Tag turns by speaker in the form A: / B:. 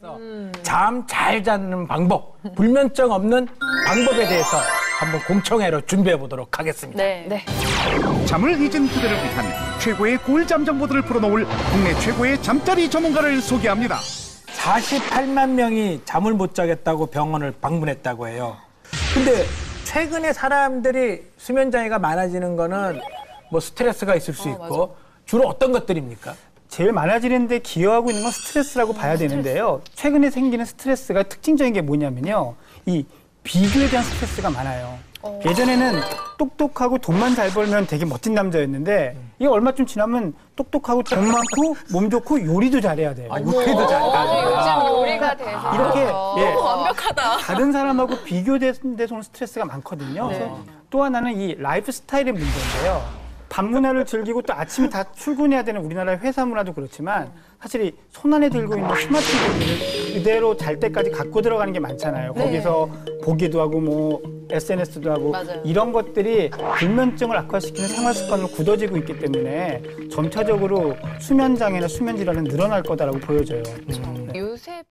A: 잠 잘 자는 방법, 불면증 없는 방법에 대해서 한번 공청회로 준비해 보도록 하겠습니다.
B: 네.
C: 잠을 잊은 그들을 위한 최고의 꿀잠 정보들을 풀어놓을 국내 최고의 잠자리 전문가를 소개합니다.
A: 48만 명이 잠을 못 자겠다고 병원을 방문했다고 해요. 근데 최근에 사람들이 수면 장애가 많아지는 거는 뭐 스트레스가 있을 수 있고 주로 어떤 것들입니까?
D: 제일 많아지는 데 기여하고 있는 건 스트레스라고 봐야 되는데요. 최근에 생기는 스트레스가 특징적인 게 뭐냐면요. 이 비교에 대한 스트레스가 많아요. 예전에는 똑똑하고 돈만 잘 벌면 되게 멋진 남자였는데 이게 얼마쯤 지나면 똑똑하고 돈 많고 몸 좋고 요리도 잘해야 돼요.
A: 요리도 잘해야
B: 요즘 요리가 돼서
D: 이렇게
B: 너무 완벽하다.
D: 다른 사람하고 비교되는 데서 오는 스트레스가 많거든요. 그래서 또 하나는 이 라이프 스타일의 문제인데요. 밤 문화를 즐기고 또 아침에 다 출근해야 되는 우리나라의 회사 문화도 그렇지만 사실 이 손안에 들고 있는 스마트폰을 그대로 잘 때까지 갖고 들어가는 게 많잖아요. 거기서 보기도 하고 뭐 SNS도 하고 이런 것들이 불면증을 악화시키는 생활 습관으로 굳어지고 있기 때문에 점차적으로 수면 장애나 수면 질환은 늘어날 거다라고 보여져요.
B: 요새